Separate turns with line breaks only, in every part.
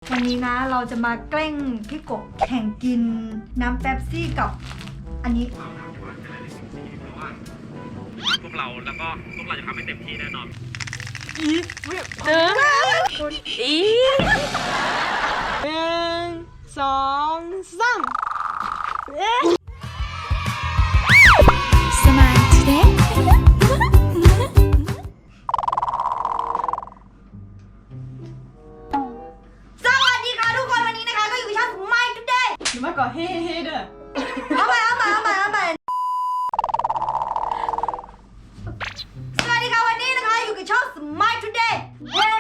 วันนี้นะเราจะมาแกล้งพี่กบแข่งกินน้ำเป๊ปซี่กับอันนี้
พวกเราแล้วก็พวกเราจะทำให้เต็มที่แน่นอน
สองสาม
สมาธิเด็กสวัสดีค่ะทุกคนวันนี้นะคะก็อยู่กับช่องไมค์ทุกเดย์
หรือว่าก่อนเฮ้เด้อ
เอาใหม่สวัสดีค่ะวันนี้นะคะอยู่กับช่อง Smile Today เฮ้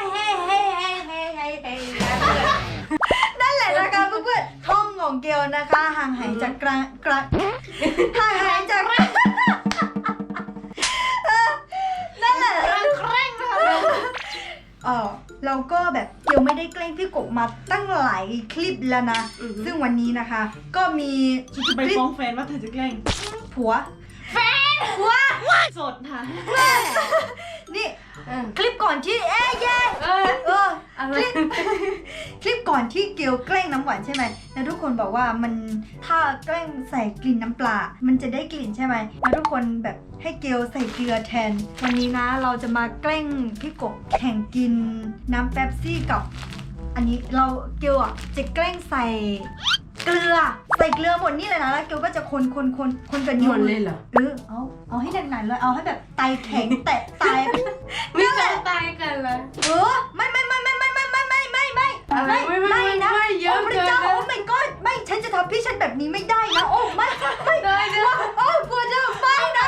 นั่นแหละนะคะเพื่อนๆท่องของเกลนะคะห่างหายจากห่างหายจากนั่นแหละแกล้งเราก็แบบเกลไม่ได้แกล้งพี่กบมาตั้งหลายคลิปแล้วนะซึ่งวันนี้นะคะก็มี
ฉันจะไปฟ้องแฟนว่าเธอจะแกล้ง
ผัวส
ดค่ะ
นี่คลิปก่อนที่คลิปก่อนที่เกลแกล้งน้ำหวานใช่ไหมแล้วทุกคนบอกว่ามันถ้าแกล้งใส่กลิ่นน้ำปลามันจะได้กลิ่นใช่ไหมแล้วทุกคนแบบให้เกลใส่เกลือแทนวันนี้นะเราจะมาแกล้งพี่กบแข่งกินน้ำเป๊ปซี่กับอันนี้เกลจะแกล้งใส่เกลือหมดนี่เลยนะแล้วเกลก็จะคนกับนิ้ว
เลยเหรอ
เอาให้หนักๆเลยเอาให้แบบไตแข็งแตะตาย
ไม่จะตายกันเลย
ไม่
เยอะเกิน
โอ้ my god ไม่ฉันจะทำพี่ฉันแบบนี้ไม่ได้นะโอ้ไม่
ได้
โอ้กลัวจะไม่นะ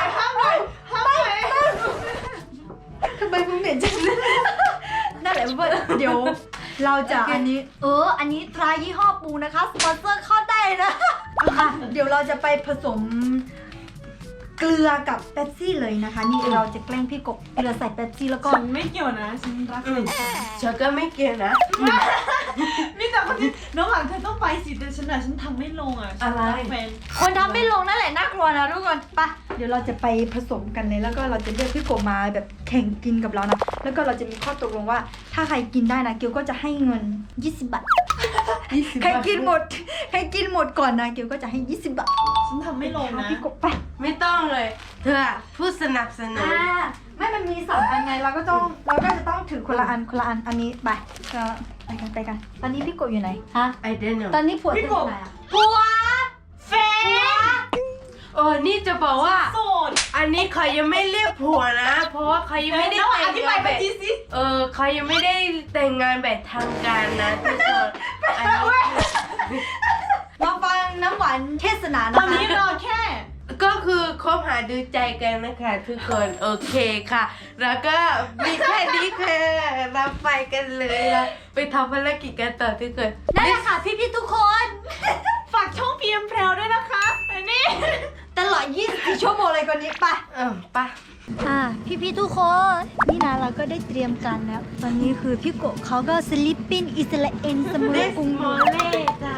ทำไมมึงเหม็นจังนั่นแหละเพื่อนเดี๋ยวเราจะอันนี้ตรายี่ห้อปูนะคะสปอนเซอร์เข้าได้นะเดี๋ยวเราจะไปผสมเกลือกับเป๊ปซี่เลยนะคะนี่เราจะแกล้งพี่กบเกลือใส่เป๊ปซี่แล้วก็
ฉันไม่เกี่ยวนะฉันรัก
ฉันก็ไม่เกี่ยวนะ
นี่แต่คนที่น้องหลังเธอต้องไปสิแต่ฉันทำไม่ลง
อะไร
คนทำไม่ลงนั่นแหละน่ากลัวนะทุกคนไปเดี๋ยวเราจะไปผสมกันเลยแล้วก็เราจะเรียกพี่กบมาแบบแข่งกินกับเรานะแล้วก็เราจะมีข้อตกลงว่าถ้าใครกินได้นะเกียวก็จะให้เงิน20 บาทใครกินหมดก่อนนะเกียวก็จะให้20 บาท
ฉันทำไม่ลงนะ
พี่กบไป
ไม่ต้องเลยเธอผู้สนับสนุน
ไม่มันมี2 อันไงเราก็จะต้องถือคนละอันอันนี้ไปกันตอนนี้พี่กบอยู่ไหนฮะ
I don't know
ตอนนี้ผัวอยู่ไหนผัวแฟน
นี่จะบอกว่า
โสด
อันนี้เขายังไม่เรียกผัวนะเพราะว่าเขายังไม่ได้แต่งงานแบบเขายังไม่ได้แต่งงานแบบทางการนะทุกคนอันนี้
มาฟังน้ำหวานเทศนานะคะ
ตอนนี้รอแค่
ก็คือคบหาดูใจกันนะคะทุกคนโอเคค่ะแล้วก็มีแค่นี้ค่ะเราไปกันเลยเราไปทำภารกิจกันต่อทุกคน
นั่นแหละค่ะพี่ทุกคน
ฝากช่องพีเอ็มแพรวด้วยนะคะอันนี้
ตลอด24 ชั่วโมงเลยคนนี้ไปพี่ทุกคนนี่นะเราก็ได้เตรียมกันแล้วตอนนี้คือพี่โกเขาก็สลิปปิ้งอิสราเอลเสมอกรุงโมเล่จ้า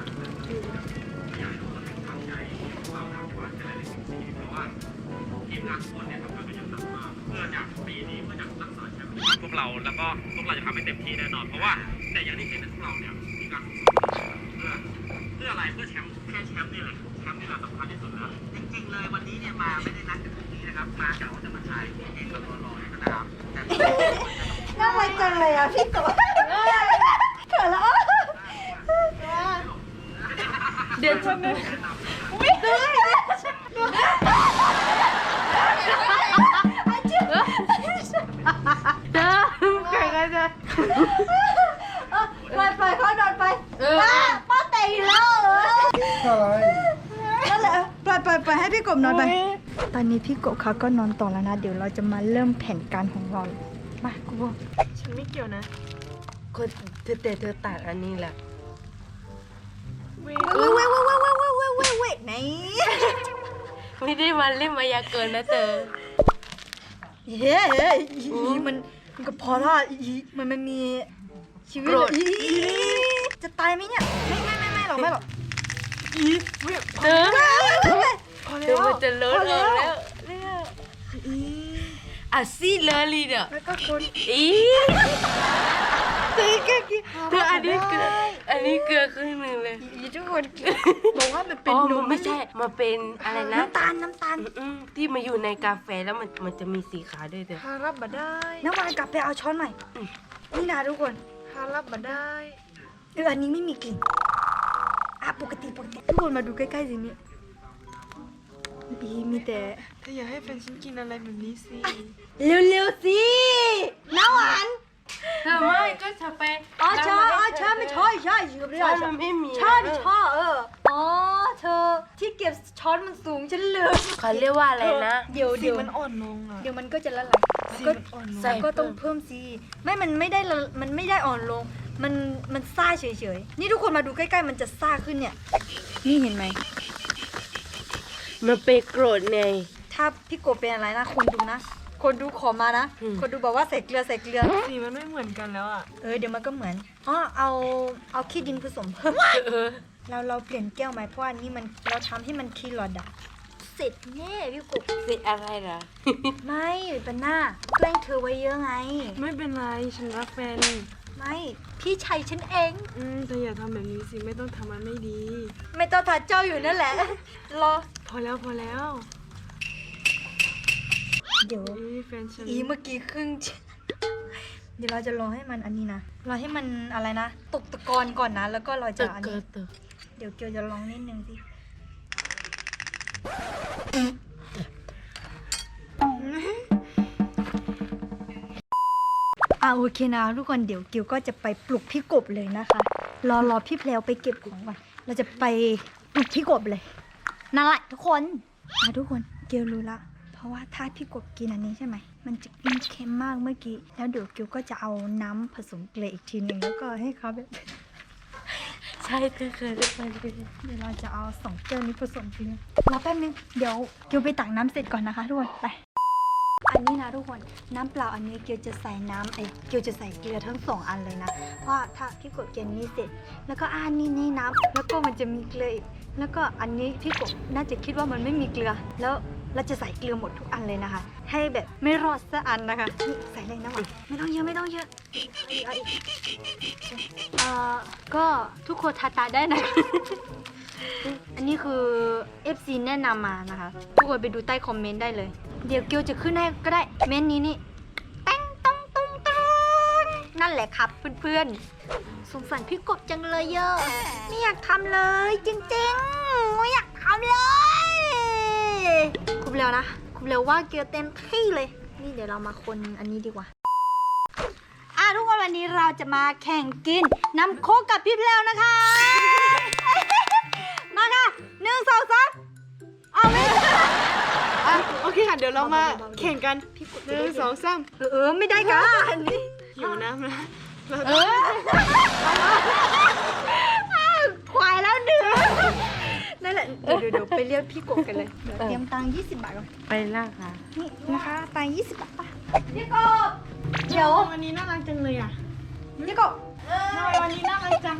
พวกเราแล้วก็พวกเราจะทำให้เต็มที่แน่นอนเพราะว่าแต่อย่างที่เห็นพวกเราเนี่ยมีการเพื่ออะไรเพื่อแชมป์นี่แหละแชมป์นี่แหละสำคัญที่สุดเลยจริงๆเลยวันนี้เนี่ยมาไม่ได้นัดกันตรงนี้นะครับมากะว่าจะมาถ่ายเองแล้วก็รอนะครับ
น่ารักจังเลยอ่ะพี่โกเกิดแล้ว
เดี๋ยวฉันเนี่ย
ไปเขานอนไปป้าเตะอยู่แล้วนั่นแหละไปให้พี่กบนอนไปตอนนี้พี่กบเขาก็นอนต่อแล้วนะเดี๋ยวเราจะมาเริ่มแผนการของเรามากู
ฉันไม่เกี่ยวนะ
คนเธอตัดอันนี้แหละ
เว้ยไหน
ไม่ได้มาเล่นมายากลนะเธอ
มันก็พอแล้วมันมีชีวิตจะตายไหมเนี่ยไม่หรอก
เธอมันจะเลิศแล้วซี่เลอรี่เนี่ย
แล้วก็คน
เธออันนี้เกิดลือครึ่งหนึ่งเลย
อีทุกคนบอกว่ามันเป็น
อ๋อน
ม
มันไม่ใช่มาเป็นอะไรนะ
น้ำตาลน้ำตาล
ที่มาอยู่ในกาแฟแล้วมันจะมีสีขาวด้วยเด้อ
ฮารับมาได้
น้ำมันกลับไปเอาช้อนใหม่นี่นะทุกคน
ฮารับมาได้
อันนี้ไม่มีกลิ่นปกติทุกคนมาดูใกล้ๆสินี่มีแต่
เธออย่าให้แฟนฉันกินอะไรแบบนี้สิ
เร็วๆสิน้ำหวาน
เธอไม่ก็จะไป
อ๋อใช่ไม่ใช่อยู่เรื่
ช้
อ
อย นมันไม่มี
ใช่อ๋อเธอที่เก็บช้อนมันสูงฉันลืม
เขาเรียกว่าอะไรนะ
เดี๋ยว
สีมันอ่อนลงอ่ะ
เดี๋ยวมันก็จะละลาย
สี
ก็
มันอ่อนลง
ใส่
ก็ต้องเพิ่มสิมันไม่ได้อ่อนลง มันซ่าเฉยๆนี่ทุกคนมาดูใกล้ๆมันจะซ่าขึ้นเนี่ยนี่เห็นไหม
มันไปโกรธไง
ถ้าพี่โกบเป็นอะไรนะคนดูนะ คนดูขอมานะ
อืม
คนดูบอกว่าใส่เกลือ
สีมันไม่เหมือนกันแล้วอ่ะ
เดี๋ยวมันก็เหมือนอ๋อเอาขี้ดินผสมเพิ่ม
เออ
เราเปลี่ยนแก้วไหมเพราะว่านี่มันเราทำให้มันคีรอดอะเสร็จแน่พี่กบ
เสร็จอะไรล่ะ
ไม่เป็นหน้าแกล้งเธอไว้เยอะไง
ไม่เป็นไรฉันรักแฟน
ไม่พี่ชัยฉันเอง
เธออย่าทำแบบนี้สิไม่ต้องทำมันไม่ดี
ไม่ต้องทัดเจ้าอยู่นั่นแหละ รอ
พอแล้ว
เดี๋ยว
แฟนฉัน
เมื่อกี้ครึ่ง เดี๋ยวเราจะรอให้มันอันนี้นะรอให้มันอะไรนะตกตะกอนก่อนนะแล้วก็เราจะ
ตึก
อัน
เกิ
นี้
ดตึก
เดี๋ยวเกียวจะลองนิดนึงสิโอเคนะทุกคนเดี๋ยวเกียวก็จะไปปลุกพี่กบเลยนะคะ รอพี่แพลวไปเก็บของก่อนเราจะไปปลุกพี่กบเลยนั่นแหละทุกคนทุกคนเกียวรู้ละเพราะว่าถ้าพี่กบกินอันนี้ใช่ไหมมันจะกินเค็มมากเมื่อกี้แล้วเดี๋ยวเกียวก็จะเอาน้ำผสมเกลืออีกทีหนึ่งแล้วก็ให้เขาแบบ
ใช่เธอเคยได้ไปเลย
เดี๋ยวเราจะเอา2แก้วนี้ผสมกันเลยรอแป๊บนึงเดี๋ยวเกียวไปตักน้ำเสร็จก่อนนะคะทุกคนไปอันนี้นะทุกคนน้ำเปล่าอันนี้เกียวจะใส่เกียวจะใส่เกลือทั้ง2อันเลยนะเพราะถ้าพี่กบกินนี้เสร็จแล้วก็นี่น้ำแล้วก็มันจะมีเกลืออีกแล้วก็อันนี้พี่กบน่าจะคิดว่ามันไม่มีเกลือแล้วเราจะใส่เกลือหมดทุกอันเลยนะคะ ให้แบบไม่รอดสักอันนะคะนี่ใส่เลยนะหวานไม่ต้องเยอะเอาอีกก็ทุกคนทาตาได้นะ อันนี้คือ FC แนะนำมานะคะ ทุกคนไปดูใต้คอมเมนต์ได้เลย เดี๋ยวเกียวจะขึ้นให้ก็ได้ เมนต์นี้นี่แต้งต้องตุ้งตงนั่นแหละครับเพื่อนๆ สงสารพี่กบจังเลยเยอะ ไม่อยากทำเลยจริงๆ ไม่อยากทำเลยคุบเร็วนะคุบเร็วว่าเกียวเต็มที่เลย นี่เดี๋ยวเรามาคนอันนี้ดีกว่า ทุกคนวันนี้เราจะมาแข่งกินน้ำโค้กกับพี่แพลวนะคะ มาค่ะ1 2 3เอาไม่
โอเคค่ะเดี๋ยวเรามาแข่งกัน1 2 3
ไม่ได้กันนี่
หิวน้ำนะ
ควายแล้วดึงนั่นแหละเดี๋ยวไปเรียกพี่กบกันเลยเดี๋ยวเตรียมตังค์20 บาทก่อน
ไปล่าค่ะ
นี่นะคะตังค์20 บาทป่ะพี่กบเดี๋ยว
วันนี้น่ารักจังเลยอ่ะ
พี่กบ
ทำไมวันนี้น่ารักจัง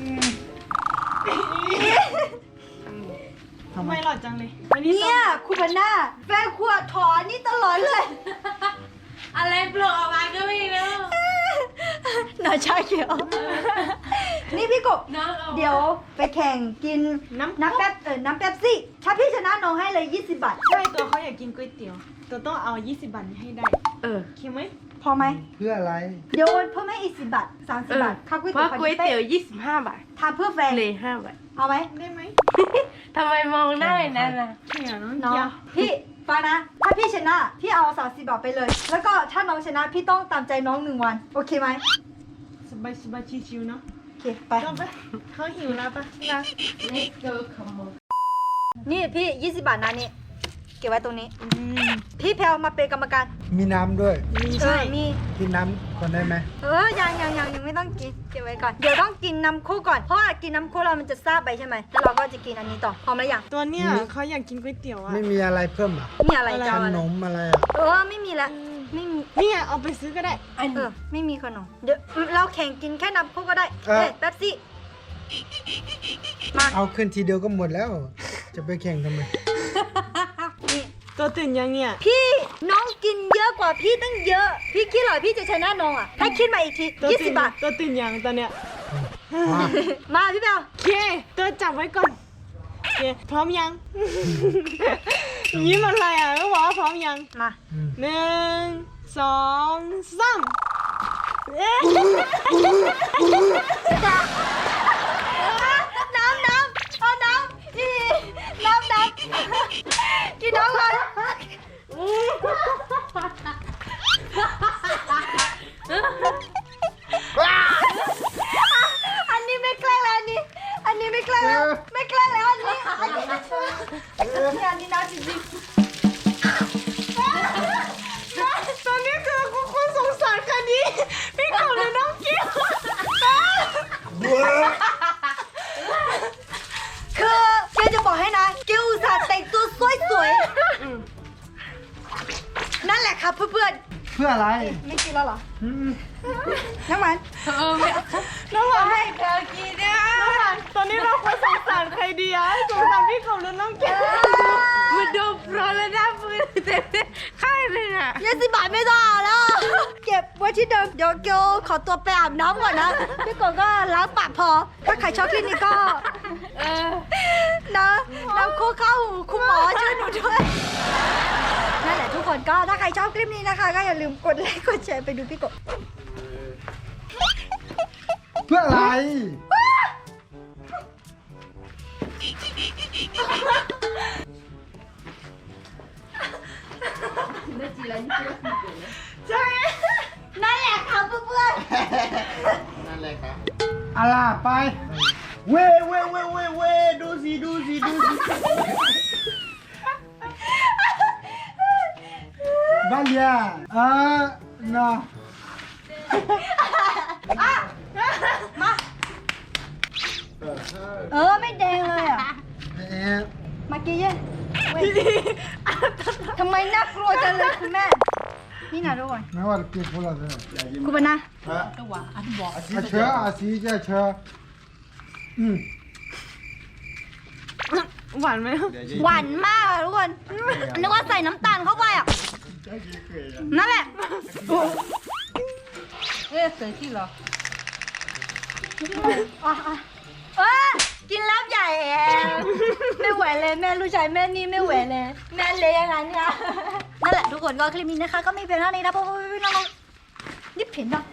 ทำไมหล่อจังเลยวันนี้
เนี่ยคุณพันหน้าแฟนขวดถอนนี่ตลอดเลย
อะไรปลุกออกมาก็ไม่รู้
หน่าชาเขียว นี่พี่กบ
น้องเอา
เดี๋ยวไปแข่งกินน้ำแป๊บซี่ถ้าพี่ชนะน้องให้เลย20 บาท
ใช่ตัวเขาอยากกินก๋วยเตี๋ยวตัวต้องเอา20 บาทนี้ให้ได้
เออ
โอเคไหม
พอไหม
เพื่ออะไร
เดี๋ยวเพิ่มให้อีก10 บาท30 บาทค่าก๋วย
เพ
เตี๋ย
ราะ
ว
ก๋วยเตี๋ยว25 บาท
ทานเพื่อแฟน
เลย5 บาท
เอาไหม
ได้ไหม
ทำไมมองหน้าอย่างนั้นล่ะ
เขี่ยน้อง
น้อง
เกียว
พี่ฟังนะ ถ้าพี่ชนะพี่เอา30 บาทไปเลย แล้วก็ถ้าน้องชนะพี่ต้องตามใจน้อง1 วันโอเคไหม
สบายชิวๆเนาะ
โอเคไป
ต้องไปเขาหิวแล้วปะนะ
นี่เกิร์ลขโมย
นี่พี่20 บาทนะนี่เก็บไว้ตรงนี้ พี่แพลวมาเป็นกรรมการ
มีน้ำด้วย
มีใช่
มี
กินน้ำก่อนได้ไหม
ยังไม่ต้องกินเก็บไว้ก่อนเดี๋ยวต้องกินน้ำโค้กก่อนเพราะว่ากินน้ำโค้กเรามันจะซาบไปใช่ไหมแล้วเราก็จะกินอันนี้ต่อพร้อมแล้วยัง
ตัวเนี้ยเขาอยากกินก๋วยเตี๋ยวอ่ะ
ไม่มีอะไรเพิ่มอ่ะ
มีอะไร
อะไร
จะ
ข
เอาอะไร
นมอะไรอ่ะ
ไม่มีละไม่มี
นี่ไงเอาไปซื้อก็ได้
ไม่มีขนมเดี๋ยวเราแข่งกินแค่น้ำโค้กก็ได้แป๊บซี่มา
เอาขึ้นทีเดียวก็หมดแล้ว จะไปแข่งทำไม
นี่
ตัวตื่นยังเนี่ย
พี่น้องกินเยอะกว่าพี่ตั้งเยอะ พี่คิดเหรอพี่จะชนะน้องอ่ะให้คิดมาอีกที
ตัวตื่น
20 บาท
ตัวตื่นยังตอนเนี้ย
มา
มาพี่เบล
โอเคตัวจับไว้ก่อนโอเคพร้อมยัง ยิ้มอะไรอ่ะต้องบอกว่าพร้อมยัง
มา
1 2 3เอ๊ะ
น้ำเอาน้ำนี่น้ำกินน้ำก่อนอันนี้ไม่แกล้งแล้วอันนี้ไม่แกล้งแล้วไม่แกล้งแล้วอันนี้น้ำจริง
ตอนนี้คือคุณสงสารค่ะดิพี่กบเลยน้องกิ๊ฟ
ๆคือเกลจะบอกให้นะเกลอุตส่าห์แต่งตัวสวยๆนั่นแหละครับเพื่อน
เพื่ออะไร
ๆไม่กินแล้วเหรอ
อืม
น้ำมัน
น้องหวาน
ให้เธอกินนะ
น้องหวานตอนนี้เราควรสงสารใครดีอะสงสารพี่กบหรือน้องกิ๊ฟ
มันโดนร้อนแล้วนะมือเต็มข้างเลยอ่ะ
20 บาทไม่ต้องเอาแล้ว เก็บไว้ที่เดิมเดี๋ยวเกลขอตัวไปอาบน้ำก่อนนะพี่กบก็ล้างปากพอ ถ้าใครชอบคลิปนี้ก็ นะน้ำโคกเข้าหูคุณหมอช่วยหนูด้วย นั่นแหละทุกคนก็ถ้าใครชอบคลิปนี้นะคะ ก็อย่าลืมกดไลค์กดแชร์ไปดูพี่กบ
เพื่ออะไร
ใช่
นั่นแหละค่ะเพื่อน
อะไรไป เว้ดูสิ บ้านยาเนาะ
ไม่แดงเลยอ่ะ มากี้เย่เว้ยทำไมน่ากลัวจังเลยคุณแม่ นี่นะทุกคน
ไม่ว่าเก็บพวกเราเลย
คุณปนะ
เชื้ออาซีจะเชื้อ
หวานไหม
หวานมากอะทุกคนนึกว่าใส่น้ำตาลเข้าไปอ่ะ นั่นแหละ
เอ๊ะเคยกินเหรอ
กินแล้วใหญ่แอะไม่ไหวเลยแม่ลูกชายแม่นี่ไม่ไหวเลยแม่เละอย่างนั้นเนี่ยนั่นแหละทุกคนก็คลิปนี้นะคะ ก็มีเพียงเท่านี้นะเพราะว่าพี่น้องนี่เผ็ดเนาะ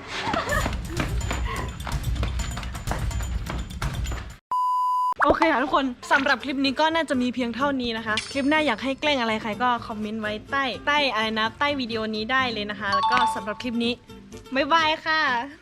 โอเคค่ะทุกคนสำหรับคลิปนี้ก็น่าจะมีเพียงเท่านี้นะคะ คลิปหน้าอยากให้แกล้งอะไรใครก็คอมเมนต์ไว้ใต้อะไรนะใต้วิดีโอนี้ได้เลยนะคะ แล้วก็สำหรับคลิปนี้บ๊ายบายค่ะ